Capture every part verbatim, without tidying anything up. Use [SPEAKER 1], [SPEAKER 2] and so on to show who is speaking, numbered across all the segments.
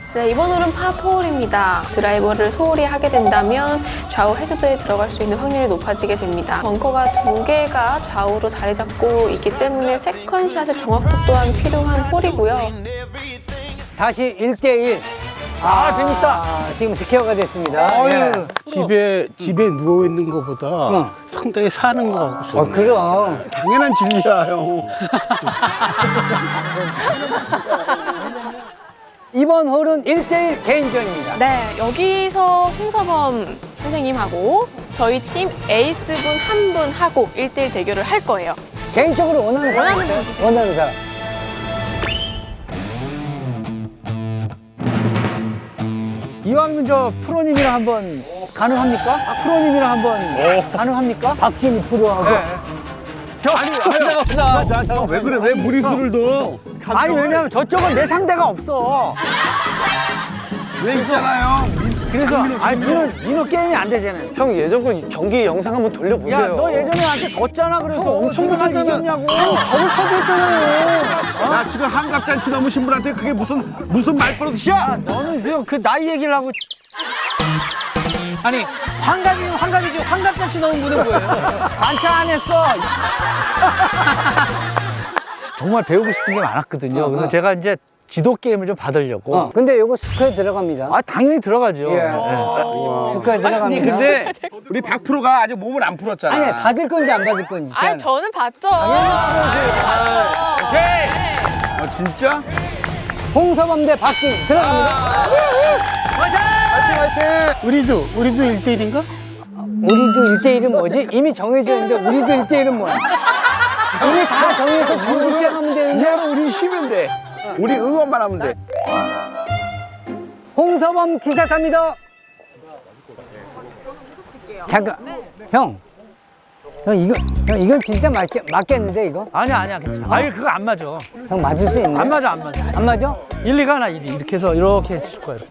[SPEAKER 1] 네, 이번 홀은 파사입니다. 드라이버를 소홀히 하게 된다면 좌우 해저드에 들어갈 수 있는 확률이 높아지게 됩니다. 벙커가 두 개가 좌우로 자리 잡고 있기 때문에 세컨샷의 정확도 또한 필요한 홀이고요.
[SPEAKER 2] 다시 일 대 일. 아, 재밌다. 지금 스퀘어가 됐습니다. 예.
[SPEAKER 3] 집에 집에 누워 있는 것보다
[SPEAKER 2] 어.
[SPEAKER 3] 상당히 사는 거 같고
[SPEAKER 2] 어,
[SPEAKER 3] 좋네.
[SPEAKER 2] 그럼.
[SPEAKER 3] 당연한 진리야, 형.
[SPEAKER 2] 이번 홀은 일 대 일 개인전입니다.
[SPEAKER 1] 네, 여기서 홍서범 선생님하고 저희 팀 에이스분 한 분 하고 일 대 일 대결을 할 거예요.
[SPEAKER 2] 개인적으로 원하는 사람
[SPEAKER 1] 원하는
[SPEAKER 2] 있어요? 원하는 사람. 이왕이면 저 프로님이랑 한번 가능합니까? 아, 프로님이랑 한번 가능합니까? 박진희 프로하고.
[SPEAKER 4] 네.
[SPEAKER 2] 아니, 상대가 없어.
[SPEAKER 3] 자, 잠깐 왜 그래? 왜 무리수를 둬?
[SPEAKER 2] 아니, 왜냐면 저쪽은 내 상대가 없어.
[SPEAKER 3] 왜 있잖아요.
[SPEAKER 2] 그래서, 아니, 민호, 민호 게임이 안 되잖아.
[SPEAKER 4] 형 예전 거 경기 영상 한번 돌려보세요.
[SPEAKER 2] 야, 너 예전에 나한테 졌잖아. 그래서 엄청
[SPEAKER 4] 무섭잖아.
[SPEAKER 2] 이겼냐고.
[SPEAKER 3] 더블파도 했잖아요. 야, 지금 한갑잔치 넘으신 분한테 그게 무슨 무슨 말버릇이야?
[SPEAKER 2] 너는 지금 그 나이 얘기를 하고.
[SPEAKER 5] 아니 환갑이면 환갑이지 환갑잔치 넣은 분은 뭐예요?
[SPEAKER 2] 반찬 안 했어. 정말 배우고 싶은 게 많았거든요. 그래서 제가 이제 지도 게임을 좀 받으려고.
[SPEAKER 6] 어, 근데 요거 스퀘어 들어갑니다.
[SPEAKER 2] 아, 당연히 들어가죠.
[SPEAKER 6] 예.
[SPEAKER 2] 네.
[SPEAKER 6] 스퀘어 들어갑니다.
[SPEAKER 3] 아니 근데 우리 박 프로가 아직 몸을 안 풀었잖아.
[SPEAKER 6] 아니, 받을 건지 안 받을 건지.
[SPEAKER 1] 아, 저는 봤죠.
[SPEAKER 3] 아 진짜?
[SPEAKER 6] 홍서범 대 박진 들어갑니다.
[SPEAKER 3] 화이팅 화이팅! 우리도 우리도 일 대 일인가?
[SPEAKER 6] 우리도 일 대 일은 뭐지? 이미 정해져 있는데 우리도 일 대 일은 뭐야? 이미 다 정해서 부르기 시작하면 되는데
[SPEAKER 3] 그냥 우리 쉬면 돼. 우리 응원만 하면 돼.
[SPEAKER 6] 홍서범 티샷합니다. 잠깐, 형. 형 이거, 형 이건 진짜 맞겠, 맞겠는데 이거?
[SPEAKER 2] 아니야, 아니야, 괜찮아. 아니, 그거 안 맞아.
[SPEAKER 6] 형 맞을 수 있나?
[SPEAKER 2] 안 맞아, 안 맞아.
[SPEAKER 6] 안 맞아?
[SPEAKER 2] 일, 이가 하나, 일, 이. 이렇게 해서 이렇게 해줄 거예요.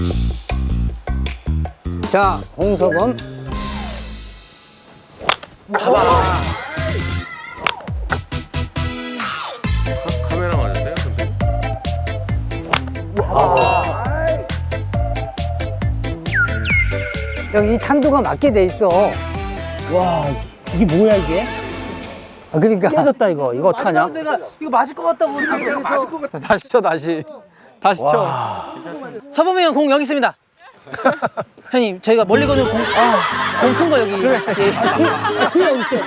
[SPEAKER 6] 자, 홍서범.
[SPEAKER 7] 카메라 맞았어요, 선생님?
[SPEAKER 6] 형 이 탄도가 맞게 돼 있어.
[SPEAKER 2] 와, 이게 뭐야, 이게?
[SPEAKER 6] 아, 그러니까.
[SPEAKER 2] 깨졌다, 이거. 이거 어떡하냐?
[SPEAKER 5] 내가 이거 맞을 것 같다고 그래서
[SPEAKER 4] 다시 쳐 다시. 다시 쳐.
[SPEAKER 5] 서범이 형 공 여기 있습니다. 형님 저희가 멀리 거는 공, 아, 공 큰 거 여기. 그래.
[SPEAKER 6] 뒤에 어디 있어?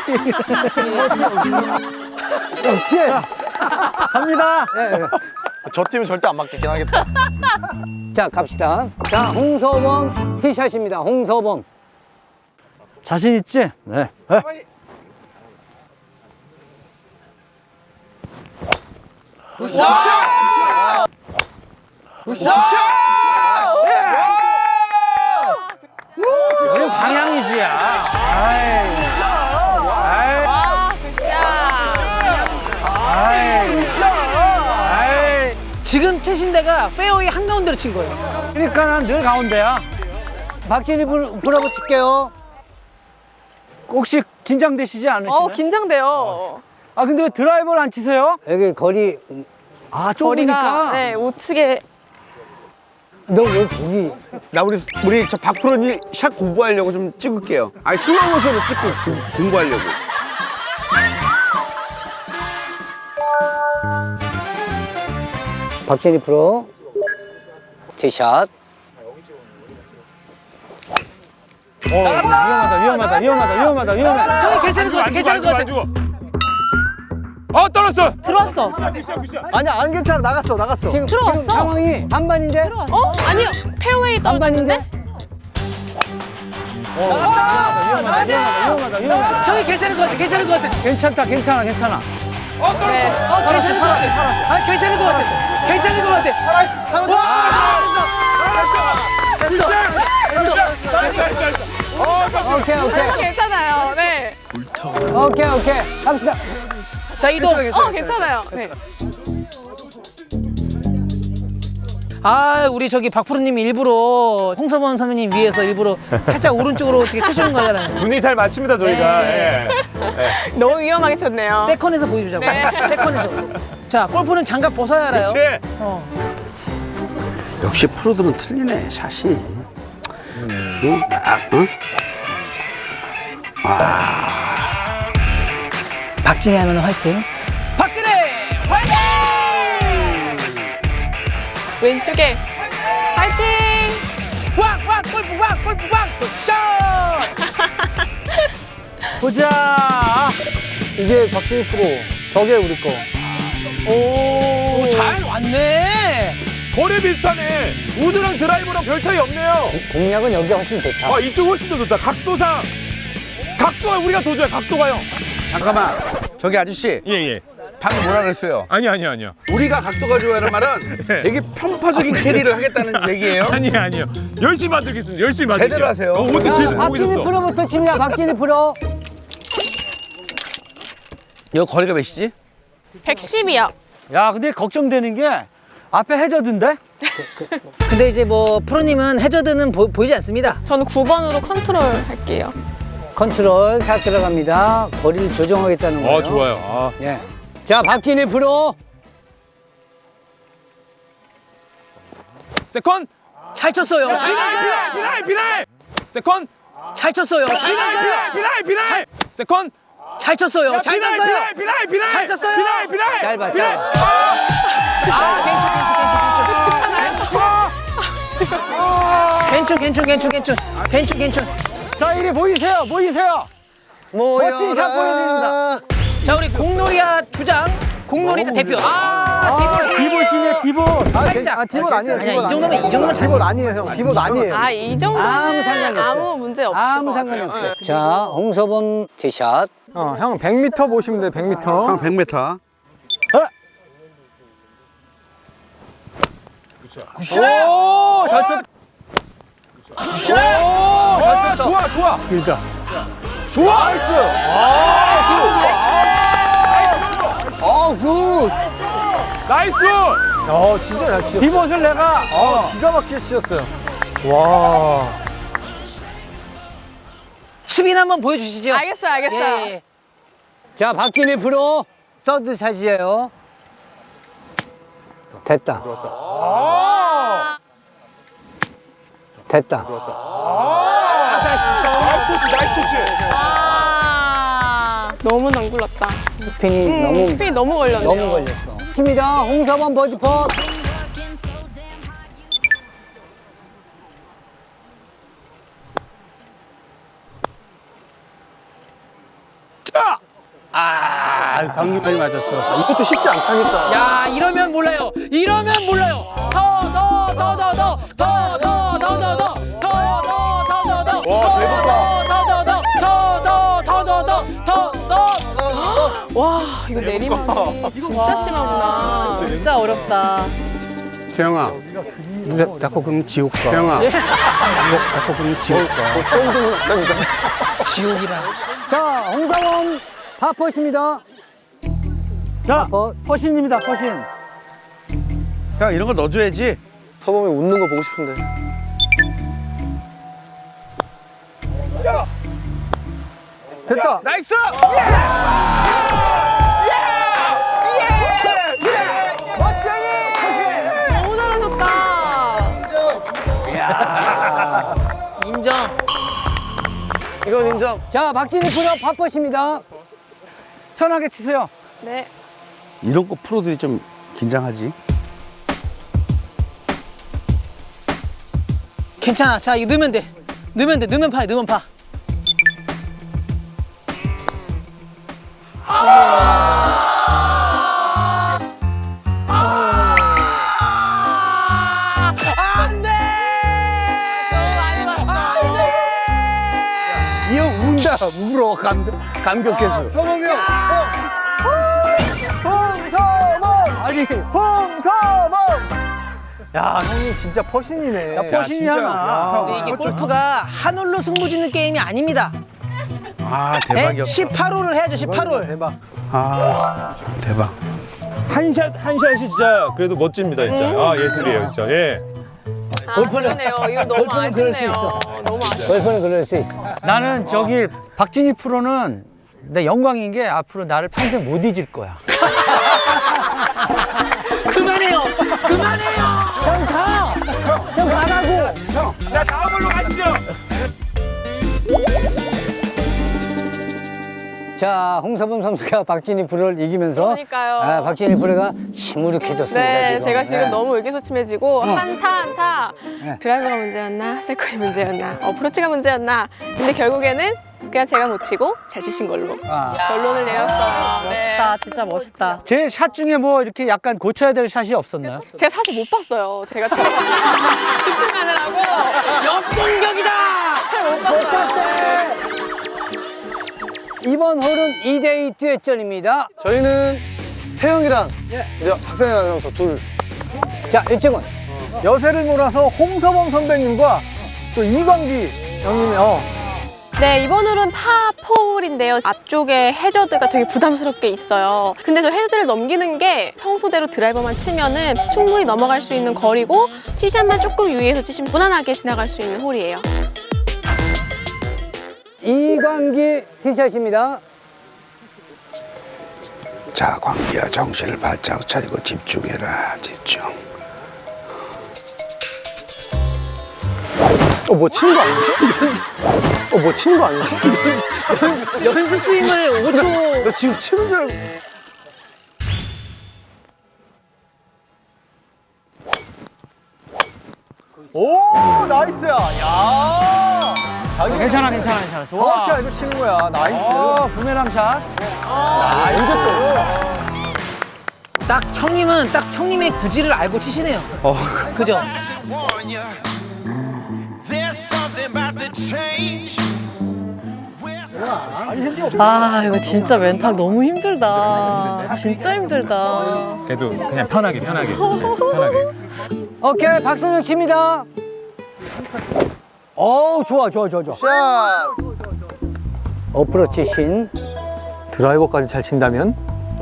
[SPEAKER 6] 형, 뒤에.
[SPEAKER 2] 갑니다.
[SPEAKER 4] 저 팀은 절대 안 맞겠긴 하겠다.
[SPEAKER 6] 자, 갑시다. 자, 홍서범 티샷입니다. 홍서범.
[SPEAKER 2] 자신 있지? 네. 네. 이거 방향이지야.
[SPEAKER 1] 와, 굿샷.
[SPEAKER 2] 아이,
[SPEAKER 5] 지금 채신 데가 페어웨이 한가운데로 친 거예요.
[SPEAKER 2] 그러니까 난 늘 가운데야.
[SPEAKER 6] 박진희 불, 불어보 칠게요.
[SPEAKER 2] 혹시 긴장되시지 않으시나요?
[SPEAKER 1] 어, 긴장돼요.
[SPEAKER 2] 아, 근데 왜 드라이버를 안 치세요?
[SPEAKER 6] 여기 거리,
[SPEAKER 2] 아,
[SPEAKER 1] 거리가
[SPEAKER 2] 좁으니까.
[SPEAKER 1] 네, 우측에
[SPEAKER 6] 너 왜 거기.
[SPEAKER 3] 나 우리 우리 저 박 프로님 샷 공부하려고 좀 찍을게요. 아니 슬로모션으로 찍고 공- 공부하려고.
[SPEAKER 6] 박진희 프로. 티샷.
[SPEAKER 2] 어, 위험하다, 위험하다, 위험하다, 위험하다, 위험하다.
[SPEAKER 5] 저희 괜찮을 것 같아. 괜찮을 것 같아.
[SPEAKER 7] 어, 떨었어!
[SPEAKER 1] 들어왔어.
[SPEAKER 4] 아니야 안 괜찮아 나갔어 나갔어.
[SPEAKER 6] 지금,
[SPEAKER 1] 들어왔어?
[SPEAKER 6] 지금 상황이 반반인데?
[SPEAKER 1] 어? 아니요. 페어웨이 떨어졌는데?
[SPEAKER 2] 위험하다, 위험하다, 위험하다.
[SPEAKER 5] 저희 괜찮을 것 같아. 괜찮을 것 같아.
[SPEAKER 2] 괜찮다, 괜찮아, 괜찮아.
[SPEAKER 1] 네.
[SPEAKER 5] 어, 괜찮을 것 같아. 아, 괜찮을 것 같아. 괜찮을 것 같아.
[SPEAKER 6] 오케이, 오케이.
[SPEAKER 1] 어, 괜찮아요. 네.
[SPEAKER 6] 오케이, 오케이. 갑시다.
[SPEAKER 5] 자, 이동.
[SPEAKER 1] 어, 괜찮아요. 네.
[SPEAKER 5] 아, 우리 저기 박프로님이 일부러 홍서범 선배님 위해서 일부러 살짝 오른쪽으로 어떻게 쳐주는 거잖아요.
[SPEAKER 7] 분위기 잘 맞춥니다, 저희가.
[SPEAKER 5] 네.
[SPEAKER 7] 예.
[SPEAKER 1] 너무 위험하게 쳤네요.
[SPEAKER 5] 세컨에서 보여주자고.
[SPEAKER 1] 네.
[SPEAKER 5] 세컨에서. 자, 골프는 장갑 벗어야 알아요.
[SPEAKER 7] 그치?
[SPEAKER 5] 어.
[SPEAKER 3] 역시 프로들은 틀리네, 샷이. 응? 아, 응?
[SPEAKER 5] 박진희 하면 화이팅. 박진희 화이팅!
[SPEAKER 1] 왼쪽에 파이팅!
[SPEAKER 5] 왕왕 골프 왕 골프 왕 샷!
[SPEAKER 4] 보자. 이게 박진희 프로. 저게 우리 거.
[SPEAKER 5] 오, 잘 왔네.
[SPEAKER 7] 거리 비슷하네. 우드랑 드라이버랑 별 차이 없네요.
[SPEAKER 6] 공략은 여기가 훨씬 좋다.
[SPEAKER 7] 아, 이쪽 훨씬 더 좋다. 각도상. 각도가 우리가 더 좋아요, 각도가요.
[SPEAKER 3] 잠깐만. 저기 아저씨.
[SPEAKER 7] 예, 예.
[SPEAKER 3] 방금 뭐라 그랬어요?
[SPEAKER 7] 아니, 아니, 아니요.
[SPEAKER 3] 우리가 각도가 좋아하는 말은
[SPEAKER 7] 네.
[SPEAKER 3] 되게 편파적인 캐리를 하겠다는 얘기예요?
[SPEAKER 7] 아니, 아니요. 열심히 만들겠습니다. 열심히 만들게요.
[SPEAKER 3] 제대로 하세요.
[SPEAKER 7] 어, 오늘
[SPEAKER 6] 자,
[SPEAKER 7] 뒤에서 보고
[SPEAKER 6] 박진희
[SPEAKER 7] 있었어.
[SPEAKER 6] 프로부터 칩니다. 박진희 프로.
[SPEAKER 3] 이거 거리가 몇이지?
[SPEAKER 1] 백십이요.
[SPEAKER 6] 야, 근데 걱정되는 게 앞에 해저드인데?
[SPEAKER 5] 근데 이제 뭐 프로님은 해저드는 보, 보이지 않습니다.
[SPEAKER 1] 저는 구 번으로 컨트롤 할게요.
[SPEAKER 6] 컨트롤 잘 들어갑니다. 거리를 조정하겠다는 거예요.
[SPEAKER 7] 어, 좋아요. 아.
[SPEAKER 6] 예. 자, 박진희 프로.
[SPEAKER 7] 세컨.
[SPEAKER 5] 잘 쳤어요. 잘
[SPEAKER 7] 비나이, 비나이, 비나이, 비나이. 세컨.
[SPEAKER 5] 잘 쳤어요. 잘
[SPEAKER 7] 비나이,
[SPEAKER 5] 쳤어요.
[SPEAKER 7] 비나이, 비나이. 세컨.
[SPEAKER 5] 잘 쳤어요. 잘
[SPEAKER 7] 비나이,
[SPEAKER 5] 쳤어요.
[SPEAKER 7] 비나이, 비나이, 비나이.
[SPEAKER 5] 잘 쳤어요.
[SPEAKER 7] 비나이, 비나이.
[SPEAKER 6] 짧아,
[SPEAKER 7] 비나이.
[SPEAKER 6] 짧아.
[SPEAKER 5] 괜춘 괜춘 괜춘 괜춘 괜춘 괜춘.
[SPEAKER 6] 자, 이리 보이세요. 보이세요. 멋진 샷 보여드립니다.
[SPEAKER 5] 자, 우리 공놀이야 주장, 공놀이야 대표. 아, 디볼.
[SPEAKER 6] 디봇이네, 디봇.
[SPEAKER 4] 아,
[SPEAKER 5] 살짝.
[SPEAKER 4] 아 디봇 아니에요.
[SPEAKER 5] 아니야,
[SPEAKER 4] 디봇
[SPEAKER 5] 이 정도면-
[SPEAKER 4] 아니에요.
[SPEAKER 5] 이 정도면 잘
[SPEAKER 4] 디봇 아니에요, 형. 디봇 아니에요.
[SPEAKER 1] 아, 이 정도는
[SPEAKER 6] 아무 상관이 없어요.
[SPEAKER 1] 아무 문제 없을
[SPEAKER 6] 아무
[SPEAKER 1] 것
[SPEAKER 6] 상관이
[SPEAKER 1] 같아요.
[SPEAKER 6] 없어요. 자, 홍서범 티샷.
[SPEAKER 4] 어, 형 백 미터 보시면 돼요. 백 미터.
[SPEAKER 3] 한 백 미터.
[SPEAKER 4] 오, 잘 쳤. 오, 잘 쳤다.
[SPEAKER 3] 좋아, 좋아.
[SPEAKER 4] 일자.
[SPEAKER 3] 좋아. 나이스.
[SPEAKER 4] 아, 굿.
[SPEAKER 7] 나이스.
[SPEAKER 4] 어, 진짜 잘 치셨어.
[SPEAKER 6] 디봇을 내가
[SPEAKER 4] 아, 기가 막히게 치셨어요. 와.
[SPEAKER 5] 수빈 한번 보여주시죠.
[SPEAKER 1] 알겠어요, 알겠어요.
[SPEAKER 5] 예, 예.
[SPEAKER 6] 자, 박진희 프로 서드 샷이에요. 됐다. 됐다.
[SPEAKER 7] 나이스 터치, 나이스 터치.
[SPEAKER 1] 아, 너무 낭굴렀다.
[SPEAKER 6] 스핀이
[SPEAKER 1] 음,
[SPEAKER 6] 너무
[SPEAKER 1] 스피이 너무 걸렸네요.
[SPEAKER 6] 너무 걸렸어. 칩니다. 홍서범 버디 펫.
[SPEAKER 3] 아, 방귀까지 맞았어.
[SPEAKER 4] 이것도 쉽지 않다니까.
[SPEAKER 5] 야, 이러면 몰라요. 이러면 몰라요. 더, 더, 더, 더, 더, 더, 더, 더, 더, 더, 더, 더, 더, 더, 더,
[SPEAKER 7] 와, 대박이다.
[SPEAKER 5] 더, 더, 더, 더, 더, 더, 더, 더, 더.
[SPEAKER 1] 와, 이거 내리막 진짜 심하구나.
[SPEAKER 6] 진짜 어렵다.
[SPEAKER 3] 세영아.
[SPEAKER 6] 누가 자꾸 그러면 지옥 가.
[SPEAKER 3] 세영아.
[SPEAKER 5] 예?
[SPEAKER 6] 자꾸 그러면 지옥 가.
[SPEAKER 4] 처음 듣는다니까.
[SPEAKER 5] 지옥이라.
[SPEAKER 6] 자, 홍서범 파퍼십니다. 자, 퍼신입니다. 퍼신.
[SPEAKER 3] 형, 이런 거 넣어줘야지.
[SPEAKER 4] 서범이 웃는 거 보고 싶은데. 됐다.
[SPEAKER 3] 나이스.
[SPEAKER 1] 너무 잘하셨다.
[SPEAKER 5] 인정.
[SPEAKER 4] 이건 인정.
[SPEAKER 6] 자, 박진희 프로 파퍼십니다. 편하게 치세요.
[SPEAKER 1] 네.
[SPEAKER 3] 이런 거 프로들이 좀 긴장하지.
[SPEAKER 5] 괜찮아. 자, 이거 넣으면 돼. 넣으면 돼. 넣으면 파. 넣으면 파. 안 돼!
[SPEAKER 1] 너무 많이 봤다.
[SPEAKER 4] 이 형 운다. 울어. 감, 감격해서. 서범이 형. 홍서범.
[SPEAKER 6] 아니,
[SPEAKER 4] 홍서범. 야, 형님 진짜 퍼신이네.
[SPEAKER 6] 야, 퍼신이야. 나.
[SPEAKER 5] 근데 이게 골프가 한 홀로 승부 짓는 게임이 아닙니다.
[SPEAKER 3] 아,
[SPEAKER 5] 네?
[SPEAKER 3] 대박이었어.
[SPEAKER 5] 십팔 홀을 해야죠. 십팔 홀.
[SPEAKER 4] 대박.
[SPEAKER 3] 아, 대박.
[SPEAKER 7] 한샷 한 샷이 진짜 그래도 멋집니다, 진짜. 아, 예술이에요, 진짜. 예.
[SPEAKER 1] 아, 그러네요. 이거 너무
[SPEAKER 6] 골프는 그럴 수
[SPEAKER 1] 아쉽네요.
[SPEAKER 6] 있어.
[SPEAKER 1] 너무 아쉽.
[SPEAKER 6] 골프는 그럴 수 있어. 나는 저기 박진희 프로는 내 영광인 게 앞으로 나를 평생 못 잊을 거야.
[SPEAKER 5] 그만해요. 그만해요.
[SPEAKER 6] 형 가! 야, 홍서범 선수가 박진희 프로를 이기면서
[SPEAKER 1] 그러니까요.
[SPEAKER 6] 아, 박진희 프로가 시무룩해졌습니다.
[SPEAKER 1] 네,
[SPEAKER 6] 지금.
[SPEAKER 1] 제가 지금
[SPEAKER 6] 네.
[SPEAKER 1] 너무 의기소침해지고 한타 한타
[SPEAKER 6] 네.
[SPEAKER 1] 드라이버가 문제였나 세컨이 문제였나 어프로치가 문제였나 근데 결국에는 그냥 제가 못 치고 잘 치신 걸로
[SPEAKER 6] 아.
[SPEAKER 1] 결론을 내렸어요. 네.
[SPEAKER 8] 멋있다, 진짜 멋있다.
[SPEAKER 6] 제 샷 중에 뭐 이렇게 약간 고쳐야 될 샷이 없었나요?
[SPEAKER 1] 제가 사실 못 봤어요. 제가 지금 집중하느라고
[SPEAKER 5] 역공격이다.
[SPEAKER 1] 못 봤어요.
[SPEAKER 6] 이번 홀은 이 대 이 듀엣전입니다.
[SPEAKER 4] 저희는 태영이랑 우리 박상현 아나운서 둘.
[SPEAKER 6] 자, 일찍은
[SPEAKER 3] 여세를 몰아서 홍서범 선배님과 또 이광기 형님이 어.
[SPEAKER 1] 네, 이번 홀은 파포홀인데요. 앞쪽에 해저드가 되게 부담스럽게 있어요. 근데 저 해저드를 넘기는 게 평소대로 드라이버만 치면은 충분히 넘어갈 수 있는 거리고 티샷만 조금 유의해서 치시면 무난하게 지나갈 수 있는 홀이에요.
[SPEAKER 6] 이광기 티샷입니다.
[SPEAKER 9] 자, 광기야, 정신을 바짝 차리고 집중해라, 집중.
[SPEAKER 4] 어, 뭐 치는 거 아니지? 어, 뭐 치는 거 아니지?
[SPEAKER 5] 연습 스윙을 오 초.
[SPEAKER 4] 나 지금 치는 줄 알고.
[SPEAKER 3] 오 나이스야. 야.
[SPEAKER 6] 괜찮아, 괜찮아, 괜찮아.
[SPEAKER 3] 정확히 알고 치는 거야. 나이스.
[SPEAKER 6] 어, 부메랑 샷.
[SPEAKER 5] 딱 형님은 딱 형님의 구질을 알고 치시네요. 그죠?
[SPEAKER 8] 아, 이거 진짜 멘탈 너무 힘들다. 진짜 힘들다.
[SPEAKER 7] 그래도 그냥 편하게 편하게 네, 편하게.
[SPEAKER 6] 오케이, 박선영 칩니다. 어우, 좋아, 좋아, 좋아, 좋아.
[SPEAKER 4] 샷.
[SPEAKER 6] 어프로치 신.
[SPEAKER 3] 드라이버까지 잘 친다면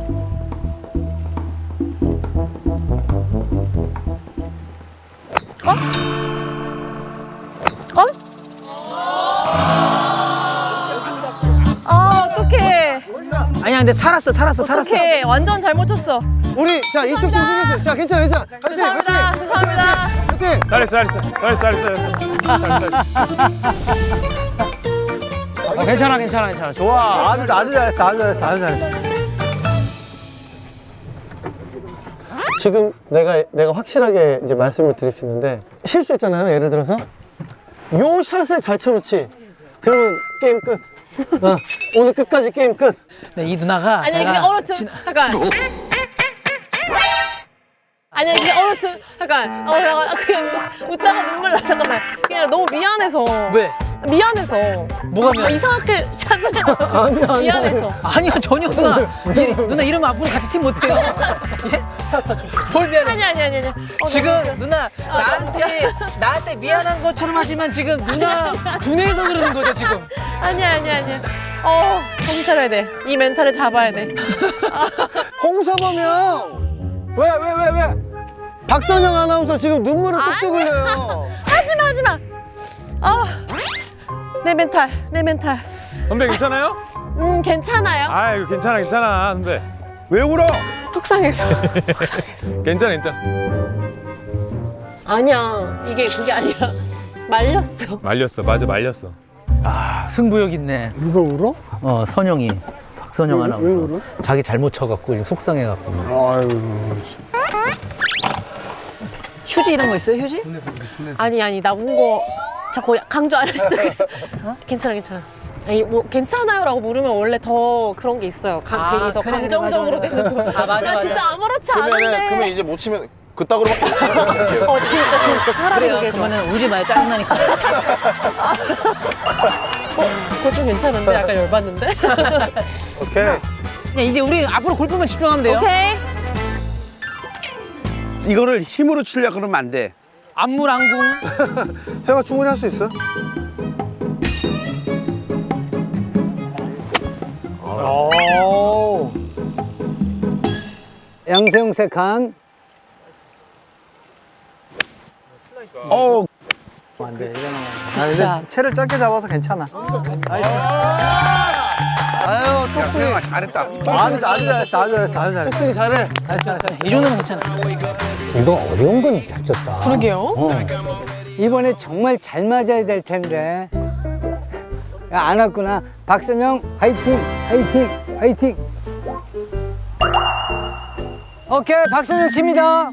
[SPEAKER 8] 아, 어떡해.
[SPEAKER 5] 아니야, 근데 살았어, 살았어, 살았어.
[SPEAKER 8] 어떡해. 완전 잘못 쳤어.
[SPEAKER 4] 우리, 자, 이쪽 좀 신경 자, 괜찮아, 괜찮아. 화이팅,
[SPEAKER 8] 죄송합니다.
[SPEAKER 4] 화이팅.
[SPEAKER 8] 죄송합니다.
[SPEAKER 4] 화이팅.
[SPEAKER 7] 잘했어 잘했어 잘했어 잘했어. 잘했어.
[SPEAKER 6] 아, 괜찮아, 괜찮아, 괜찮아. 좋아.
[SPEAKER 3] 아주 아주 잘했어. 아주 잘했어. 아주 잘했어.
[SPEAKER 4] 지금 내가, 내가 확실하게 이제 말씀을 드릴 수 있는데, 실수했잖아요, 예를 들어서. 요 샷을 잘 쳐놓지. 그러면 게임 끝. 어, 오늘 끝까지 게임 끝.
[SPEAKER 5] 네, 이 누나가
[SPEAKER 8] 아니,
[SPEAKER 5] 내가
[SPEAKER 8] 그냥 얼어트.
[SPEAKER 5] 진-
[SPEAKER 8] 잠깐. 아니야, 그냥 얼어트. 잠깐. 어, 잠깐. 그냥 웃다가 눈물 나. 잠깐만. 그냥 너무 미안해서.
[SPEAKER 5] 왜?
[SPEAKER 8] 미안해서.
[SPEAKER 5] 뭐가
[SPEAKER 8] 어,
[SPEAKER 5] 미안해?
[SPEAKER 8] 이상하게 샷을 해가지고. 미안해서.
[SPEAKER 5] 아니야, 전혀 누나. 이, 누나 이러면 앞으로 같이 팀 못해요. 예? 뭘 미안해?
[SPEAKER 8] 아니, 아니, 아니, 아니. 어,
[SPEAKER 5] 지금
[SPEAKER 8] 너무
[SPEAKER 5] 누나 나한테 나한테 미안한 것처럼 하지만 지금 누나 분해해서 그러는 거죠 지금.
[SPEAKER 8] 아니야, 아니야, 아니야. 어, 정신 차려야 돼. 이 멘탈을 잡아야 돼.
[SPEAKER 4] 홍서범 형!
[SPEAKER 3] 왜 왜 왜 왜?
[SPEAKER 4] 박선영 아나운서 지금 눈물을 뚝뚝 흘려요.
[SPEAKER 8] 하지 마, 하지 마. 아, 내 멘탈, 내 멘탈.
[SPEAKER 7] 선배 괜찮아요?
[SPEAKER 8] 음, 괜찮아요.
[SPEAKER 7] 아 이거 괜찮아 괜찮아 선배.
[SPEAKER 3] 왜 울어?
[SPEAKER 1] 속상해서. 속상해서.
[SPEAKER 7] 괜찮아 괜찮아.
[SPEAKER 8] 아니야, 이게 그게 아니라 말렸어.
[SPEAKER 7] 말렸어 맞아 말렸어.
[SPEAKER 6] 아, 승부욕 있네.
[SPEAKER 4] 누가 울어?
[SPEAKER 6] 어, 선영이. 박선영
[SPEAKER 4] 왜,
[SPEAKER 6] 아나운서.
[SPEAKER 4] 왜 울어?
[SPEAKER 6] 자기 잘못 쳐갖고 지금 속상해갖고.
[SPEAKER 4] 아유.
[SPEAKER 5] 휴지 이런 거 있어요 휴지?
[SPEAKER 8] 아니, 아니, 나 운 거 자꾸 강조 안 했으면 좋겠어. 어? 괜찮아, 괜찮아. 아니, 뭐 괜찮아요라고 물으면 원래 더 그런 게 있어요. 가,
[SPEAKER 5] 아,
[SPEAKER 8] 괜히 더
[SPEAKER 5] 그래, 그래,
[SPEAKER 8] 감정적으로
[SPEAKER 5] 맞아, 맞아.
[SPEAKER 8] 되는 거.
[SPEAKER 5] 아, 맞아,
[SPEAKER 8] 나
[SPEAKER 5] 맞아.
[SPEAKER 8] 진짜 아무렇지 않은데.
[SPEAKER 4] 그러면 이제 못 치면 그따구로밖에 못 치는 거 같아요.
[SPEAKER 8] 어, 진짜, 진짜. 차라리
[SPEAKER 5] 그래요.
[SPEAKER 8] 그게 좋아.
[SPEAKER 5] 그러면은 울지 마요 짜증나니까.
[SPEAKER 8] 어, 그거 좀 괜찮은데? 약간 열받는데?
[SPEAKER 4] 오케이.
[SPEAKER 5] 그냥 이제 우리 앞으로 골프만 집중하면 돼요.
[SPEAKER 8] 오케이.
[SPEAKER 3] 이거를 힘으로 치려고 그러면 안 돼.
[SPEAKER 5] 안물안궁.
[SPEAKER 4] 태영아 충분히 할 수 있어?
[SPEAKER 6] 오. 양세형 세칸.
[SPEAKER 3] 어.
[SPEAKER 6] 안 돼, 이거는.
[SPEAKER 3] 아, 근데 채를 짧게 잡아서 괜찮아. 나이스.
[SPEAKER 4] 아유, 똑분이.
[SPEAKER 3] 야, 잘했다. 아주 아주 잘했어. 아주 잘했어. 아주 잘했어.
[SPEAKER 4] 똑분이 잘해.
[SPEAKER 5] 이 정도면 괜찮아.
[SPEAKER 6] 이거 어려운 건 잘 쳤다.
[SPEAKER 1] 그러게요.
[SPEAKER 6] 어. 이번에 정말 잘 맞아야 될 텐데. 야, 안 왔구나. 박선영, 화이팅, 화이팅. 화이팅. 오케이, 박선영 칩니다.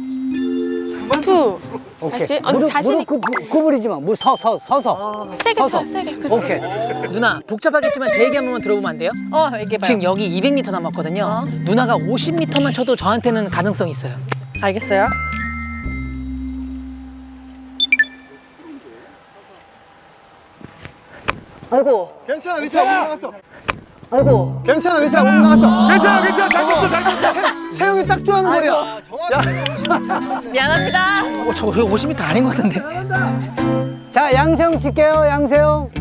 [SPEAKER 1] 투.
[SPEAKER 6] 오케이.
[SPEAKER 1] 다시. 어,
[SPEAKER 6] 무릎,
[SPEAKER 1] 자신이-
[SPEAKER 6] 무릎 구, 구부리지 마. 뭐 서, 서, 서서.
[SPEAKER 1] 세게
[SPEAKER 6] 서서.
[SPEAKER 1] 쳐, 세게. 그치.
[SPEAKER 6] 오케이.
[SPEAKER 5] 누나 복잡하겠지만 제 얘기 한 번만 들어보면 안 돼요?
[SPEAKER 8] 어, 얘기해봐요.
[SPEAKER 5] 지금 여기 이백 미터 남았거든요. 누나가 오십 미터만 쳐도 저한테는 가능성이 있어요.
[SPEAKER 8] 알겠어요.
[SPEAKER 6] 아이고,
[SPEAKER 4] 괜찮아, 위치가 못 나갔어.
[SPEAKER 6] 아이고.
[SPEAKER 4] 괜찮아, 위치가 못 나갔어.
[SPEAKER 3] 괜찮아 괜찮아 잘 쳤어 잘 쳤어.
[SPEAKER 4] 세영이 딱 좋아하는 거리야.
[SPEAKER 8] 미안합니다.
[SPEAKER 5] 어, 저 이거 오십 미터 아닌 것 같은데.
[SPEAKER 6] 자, 양세형 칠게요, 양세형.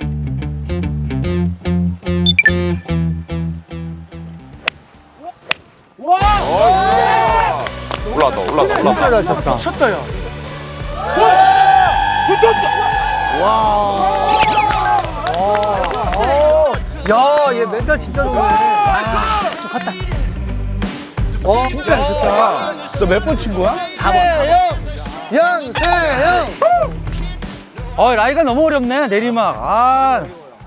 [SPEAKER 7] 올라왔다 올라왔다 올라왔다.
[SPEAKER 4] 잘 쳤다. 쳤다, 야. 야, 얘 멘탈 진짜 좋네. 어, 진짜 잘 쳤다. 너 몇 번 친 거야?
[SPEAKER 5] 사 번.
[SPEAKER 4] 양세형.
[SPEAKER 2] 어, 라이가 너무 어렵네, 내리막. 아.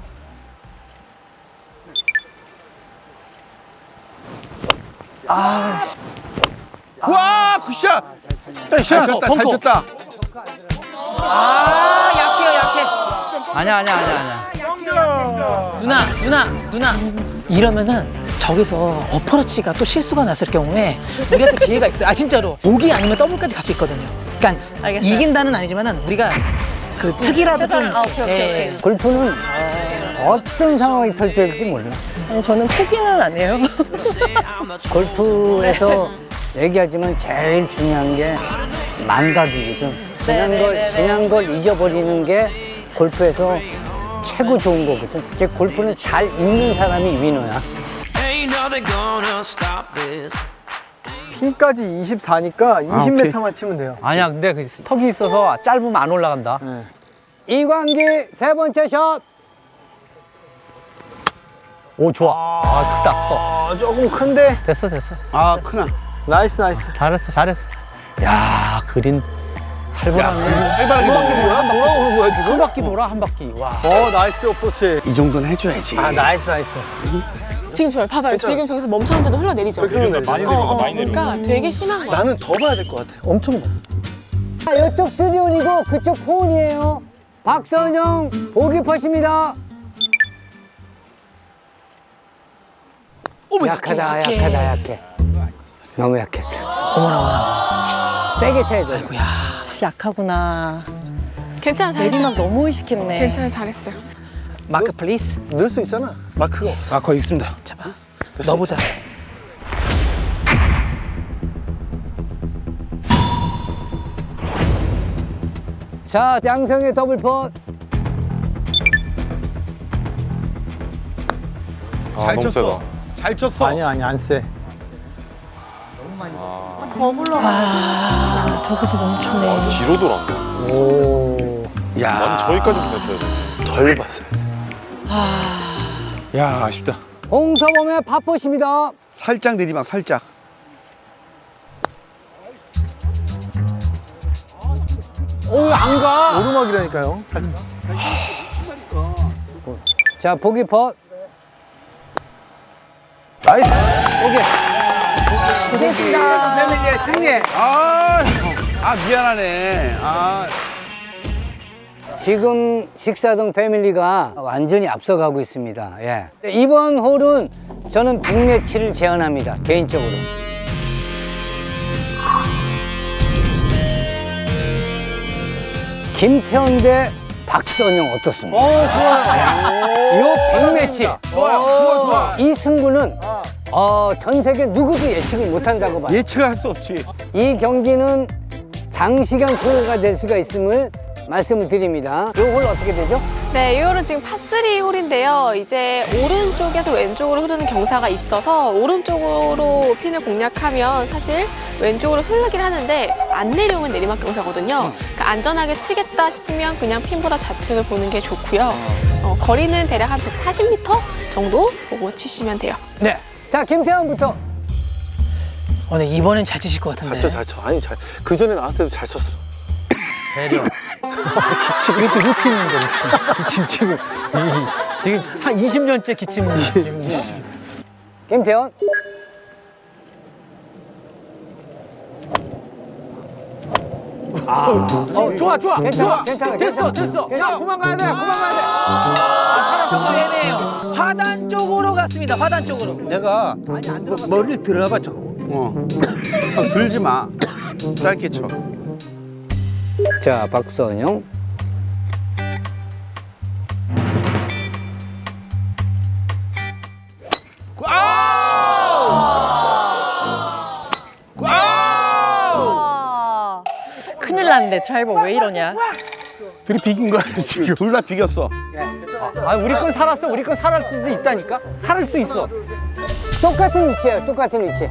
[SPEAKER 3] 와 굿샷. 잘 쳤다 잘 쳤다.
[SPEAKER 5] 아 약해요 약해.
[SPEAKER 2] 아니야, 아니야, 아니야, 아니야.
[SPEAKER 5] 누나 누나 누나 이러면은 저기서 어퍼러치가 또 실수가 났을 경우에 우리한테 기회가 있어요. 아 진짜로 보기 아니면 더블까지 갈 수 있거든요. 그러니까
[SPEAKER 8] 알겠어요.
[SPEAKER 5] 이긴다는 아니지만은 우리가 그 특이라도 좀
[SPEAKER 8] 최선을- 아, 오케이, 오케이,
[SPEAKER 5] 예,
[SPEAKER 8] 오케이.
[SPEAKER 6] 골프는 어떤 상황이 펼쳐질지 몰라.
[SPEAKER 8] 아니, 저는 포기는 안 해요.
[SPEAKER 6] 골프에서 얘기하지만 제일 중요한 게 망각이거든. 지난
[SPEAKER 8] 네,
[SPEAKER 6] 걸,
[SPEAKER 8] 네, 네,
[SPEAKER 6] 지난 걸 잊어버리는 게 골프에서 최고 좋은 거거든. 이게 골프는 잘 읽는 사람이 위너야.
[SPEAKER 4] 핀까지 이십사니까 이십 미터만 치면 돼요.
[SPEAKER 2] 아니야, 근데 그 스톡이 있어서 짧으면 안 올라간다.
[SPEAKER 6] 이광기 세 번째 샷.
[SPEAKER 2] 오, 좋아. 아, 크다, 커.
[SPEAKER 4] 아, 조금 큰데.
[SPEAKER 2] 됐어, 됐어.
[SPEAKER 3] 아 크나.
[SPEAKER 4] 나이스, 나이스.
[SPEAKER 2] 잘했어, 잘했어. 야, 그린 살벌하네.
[SPEAKER 3] 해바라기 너무.
[SPEAKER 2] 뭐야? 돌아오는 거야, 지금? 한 바퀴 돌아, 한 바퀴. 와.
[SPEAKER 4] 어, 나이스 어프로치.
[SPEAKER 3] 이 정도는 해줘야지.
[SPEAKER 4] 아, 나이스, 나이스.
[SPEAKER 1] 지금 저요. 봐봐요. 지금 저기서 멈췄는데도 흘러내리죠.
[SPEAKER 7] 많이
[SPEAKER 1] 어,
[SPEAKER 7] 내려가
[SPEAKER 1] 어,
[SPEAKER 7] 많이 내려가.
[SPEAKER 1] 그러니까 되게 심한 거야.
[SPEAKER 4] 나는 더 봐야 될 것 같아. 엄청 봐.
[SPEAKER 6] 자, 이쪽 쓰리온이고 그쪽 포온이에요. 박선영 보기 퍼십니다.
[SPEAKER 1] 어머,
[SPEAKER 6] 약하다,
[SPEAKER 1] 약해,
[SPEAKER 6] 약하다,
[SPEAKER 1] 약해.
[SPEAKER 6] 약해. 너무 약했다.
[SPEAKER 5] 어머나 어머나.
[SPEAKER 6] 세게 쳐야 돼.
[SPEAKER 5] 아이고야.
[SPEAKER 8] 약하구나.
[SPEAKER 1] 괜찮아, 잘했어.
[SPEAKER 8] 내리막 너무 의식했네.
[SPEAKER 1] 괜찮아, 잘했어요.
[SPEAKER 5] 마크 플리즈.
[SPEAKER 4] 늘 수 있잖아. 마크가 없어.
[SPEAKER 3] 아 거의 있습니다.
[SPEAKER 5] 잡아. 넣어보자.
[SPEAKER 6] 자, 양성의 더블 펫.
[SPEAKER 7] 아,
[SPEAKER 3] 잘
[SPEAKER 7] 너무
[SPEAKER 3] 쳤어.
[SPEAKER 7] 세다.
[SPEAKER 3] 잘 쳤어.
[SPEAKER 4] 아니야, 아니, 안 세.
[SPEAKER 8] 더 불러가. 아, 저기서 멈추네.
[SPEAKER 7] 아, 뒤로 돌았네.
[SPEAKER 4] 오.
[SPEAKER 3] 야.
[SPEAKER 7] 나는 저기까지 보냈어야 돼.
[SPEAKER 3] 덜 봤어요. 야 아쉽다.
[SPEAKER 6] 홍서범의 팝펫입니다.
[SPEAKER 3] 살짝 내리막 살짝.
[SPEAKER 6] 오, 안 가.
[SPEAKER 4] 오르막이라니까요.
[SPEAKER 6] 자, 보기 펫.
[SPEAKER 4] 나이스.
[SPEAKER 6] 고생했습니다. 패밀리의 승리.
[SPEAKER 3] 아, 아 미안하네. 아.
[SPEAKER 6] 지금 식사동 패밀리가 완전히 앞서가고 있습니다. 예. 이번 홀은 저는 빅매치를 제안합니다. 개인적으로. 김태현 대 박선영 어떻습니까?
[SPEAKER 3] 어 좋아요.
[SPEAKER 6] 이 빅매치.
[SPEAKER 3] 좋아요. 좋아 좋아.
[SPEAKER 6] 이 승부는 어, 전 세계 누구도 예측을 못한다고 봐요.
[SPEAKER 3] 예측을 할 수 없지.
[SPEAKER 6] 이 경기는 장시간 소요가 될 수가 있음을 말씀을 드립니다. 이 홀 어떻게 되죠?
[SPEAKER 1] 네, 이 홀은 지금 파쓰리 홀인데요. 이제 오른쪽에서 왼쪽으로 흐르는 경사가 있어서 오른쪽으로 핀을 공략하면 사실 왼쪽으로 흐르긴 하는데 안 내려오면 내리막 경사거든요. 그러니까 안전하게 치겠다 싶으면 그냥 핀보다 좌측을 보는 게 좋고요. 어, 거리는 대략 한 백사십 미터 정도 보고 치시면 돼요.
[SPEAKER 6] 네. 자, 김태환부터.
[SPEAKER 5] 어, 네, 이번엔 잘 치실 것 같은데.
[SPEAKER 4] 잘 쳐, 잘 쳐. 아니, 잘. 그 전에 나한테도잘 쳤어.
[SPEAKER 2] 배려. 이것도 루틴인데, 루틴. 기침 지금. 이, 지금 한 이십 년째 기침. 지금.
[SPEAKER 6] 김태원. 아, 어, 좋아, 좋아, 괜찮아, 괜찮아, 됐어, 됐어. 야, 그만 가야 돼, 그만 가야 돼.
[SPEAKER 5] 아, 조금 애매해요. 화단 쪽으로 갔습니다. 화단 쪽으로.
[SPEAKER 9] 내가 뭐, 머리를 들어봐 자꾸. 어. 어, 들지 마. 짧게 쳐.
[SPEAKER 6] 자, 박선영.
[SPEAKER 8] 아, 큰일 났는데 드라이버 왜 이러냐?
[SPEAKER 9] 둘이 비긴 거야 지금. 둘 다 비겼어.
[SPEAKER 6] 아, 우리 건 살았어. 우리 건 살을 수도 있다니까. 살을 수 있어. 똑같은 위치예요. 똑같은 위치.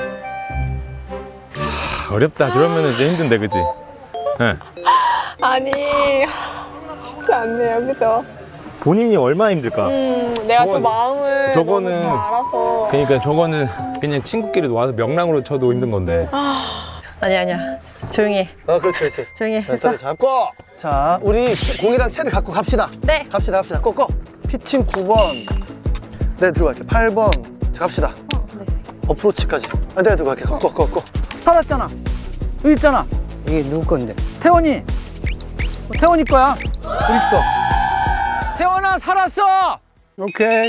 [SPEAKER 7] 어렵다. 저러면 이제 힘든데, 그지? 네.
[SPEAKER 1] 아니 쉽지 않네요, 그죠?
[SPEAKER 7] 본인이 얼마나 힘들까?
[SPEAKER 1] 음, 내가 저
[SPEAKER 7] 저건-
[SPEAKER 1] 마음을
[SPEAKER 7] 저거는-
[SPEAKER 1] 너무 잘 알아서.
[SPEAKER 7] 그러니까 저거는 그냥 친구끼리 와서 명랑으로 쳐도 힘든 건데.
[SPEAKER 8] 아니야 아니야. 조용히 해.
[SPEAKER 4] 아, 그렇지, 그렇지.
[SPEAKER 8] 조용히 해. 했어?
[SPEAKER 4] 멘탈을 잡고. 자, 우리 채- 공이랑 채를 갖고 갑시다.
[SPEAKER 8] 네.
[SPEAKER 4] 갑시다, 갑시다. 꼬꼬. 피칭 구 번. 내가 들고 갈게. 팔 번. 자, 갑시다. 어프로치까지. 아, 내가 들고 갈게. 꼬꼬, 꼬꼬.
[SPEAKER 6] 살았잖아. 여기 있잖아. 이게 누구 건데? 태원이. 태원이 거야. 우리 거. 태원아, 살았어.
[SPEAKER 9] 오케이.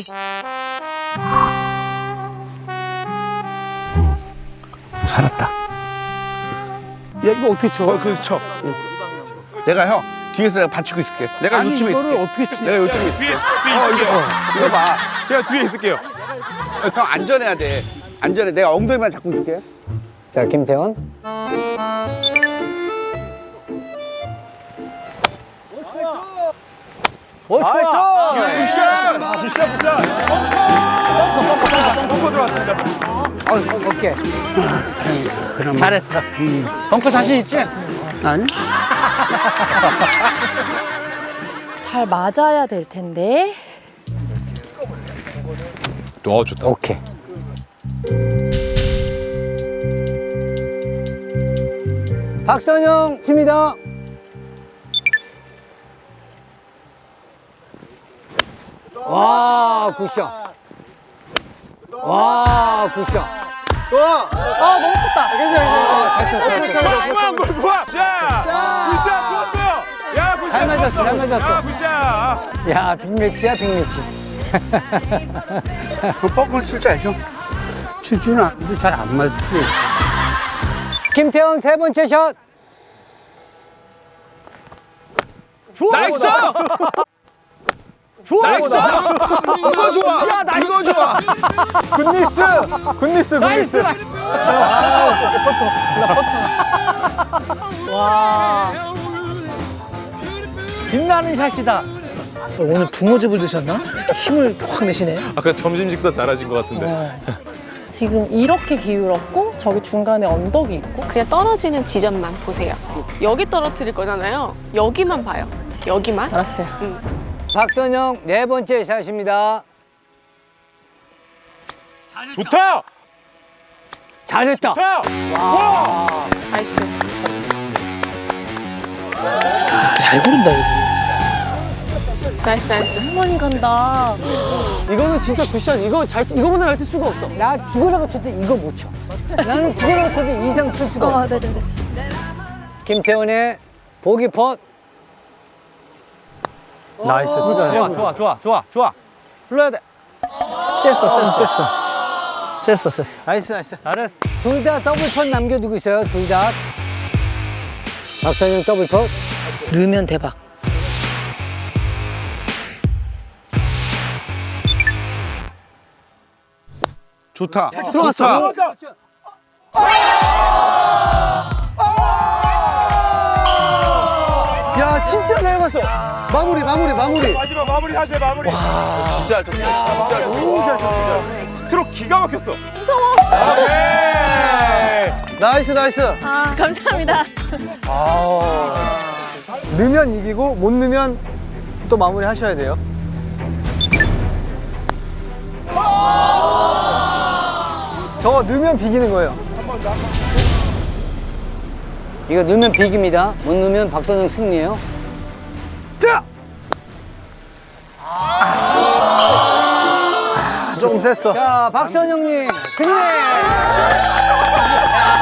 [SPEAKER 9] 살았다. 야 이거 어떻게 쳐? 어, 그렇게 쳐. 응. 내가 형 뒤에서 내가 받치고 있을게. 내가
[SPEAKER 7] 아니,
[SPEAKER 9] 요쯤에
[SPEAKER 7] 이거를
[SPEAKER 9] 있을게.
[SPEAKER 7] 어떻게 치-
[SPEAKER 9] 내가 요쯤에 있을게.
[SPEAKER 7] 뒤에, 뒤에
[SPEAKER 9] 어, 이거,
[SPEAKER 7] 있을게요.
[SPEAKER 9] 어, 이거 봐.
[SPEAKER 7] 제가 뒤에 있을게요.
[SPEAKER 9] 형 안전해야 돼. 안전해. 내가 엉덩이만 잡고 있을게.
[SPEAKER 6] 자, 김태원. 오, 좋아.
[SPEAKER 7] 굿샷! 굿샷, 굿샷! 벙커 들어왔습니다.
[SPEAKER 6] 오케이. 잘했어. 벙커 자신 있지?
[SPEAKER 9] 아니?
[SPEAKER 8] 잘 맞아야 될 텐데.
[SPEAKER 7] 어, 좋다.
[SPEAKER 6] 오케이. 박선영 칩니다. 와, 굿샷. 와, 굿샷.
[SPEAKER 4] 좋아.
[SPEAKER 8] 아 너무 컸다.
[SPEAKER 6] 아, 잘 쳤어, 잘 쳤어.
[SPEAKER 7] 그만, 굿, 굿! 자! 굿샷 좋았어요! 야, 굿샷!
[SPEAKER 6] 잘 맞았어, 잘
[SPEAKER 7] 좋았어.
[SPEAKER 6] 맞았어.
[SPEAKER 7] 아, 굿샷!
[SPEAKER 6] 야, 빅매치야, 빅매치.
[SPEAKER 9] 그 뻥을 칠줄 알죠? 칠 줄은 아는데 잘 안 맞지.
[SPEAKER 6] 김태원 세 번째 샷. 좋아.
[SPEAKER 9] 나이스!
[SPEAKER 6] 좋아.
[SPEAKER 9] 나이스! 이거 좋아! 이거 좋아!
[SPEAKER 4] 굿니스. 굿니스,
[SPEAKER 6] 나이스.
[SPEAKER 4] 굿니스.
[SPEAKER 6] 와. 빛나는 샷이다.
[SPEAKER 5] 오늘 붕어즙을 드셨나? 힘을 확 내시네.
[SPEAKER 7] 아까 점심 식사 잘하신 것 같은데.
[SPEAKER 8] 지금 이렇게 기울었고 저기 중간에 언덕이 있고.
[SPEAKER 1] 그냥 떨어지는 지점만 보세요. 여기 떨어뜨릴 거잖아요. 여기만 봐요. 여기만.
[SPEAKER 8] 알았어요.
[SPEAKER 6] 박선영 네 번째 샷입니다.
[SPEAKER 7] 좋다!
[SPEAKER 6] 잘했다.
[SPEAKER 7] 좋다!
[SPEAKER 1] 나이스.
[SPEAKER 5] 잘 구른다, 여기.
[SPEAKER 1] 나이스, 나이스.
[SPEAKER 8] 할머니 간다.
[SPEAKER 4] 이거는 진짜 굿샷. 이거 잘, 이거보다 잘 칠 수가 없어.
[SPEAKER 6] 나 죽으라고 쳐도 이거 못 쳐. 나는 죽으라고 쳐도 이상 칠 수가 없어.
[SPEAKER 8] 아 네네네.
[SPEAKER 6] 김태원의 보기 펫.
[SPEAKER 4] 나이스. 진짜.
[SPEAKER 6] 좋아, 좋아, 좋아, 좋아, 좋아. 불러야 돼. 셌어, 셌어, 셌어. 셌어, 셌어.
[SPEAKER 4] 나이스, 나이스.
[SPEAKER 6] 잘했어. 둘 다 더블 펫 남겨두고 있어요, 둘 다. 박선영 더블 펫.
[SPEAKER 5] 넣으면 대박.
[SPEAKER 9] 좋다.
[SPEAKER 4] 들어갔어.
[SPEAKER 9] 좋다.
[SPEAKER 4] 야, 진짜 잘 봤어. 마무리, 마무리, 마무리.
[SPEAKER 7] 마지막 마무리 하세요, 마무리. 진짜 좋다. 진짜 너무 잘 쳤어. 스트로크 기가 막혔어.
[SPEAKER 8] 무서워.
[SPEAKER 7] 오케이.
[SPEAKER 4] 나이스, 나이스.
[SPEAKER 8] 아 감사합니다.
[SPEAKER 4] 아. 넣으면 이기고 못 넣으면 또 마무리 하셔야 돼요. 저거 넣으면 비기는 거예요.
[SPEAKER 6] 이거 넣으면 비깁니다. 못 넣으면 박선영 승리예요.
[SPEAKER 9] 자!
[SPEAKER 4] 조금 셌어.
[SPEAKER 6] 자, 박선영님, 승리!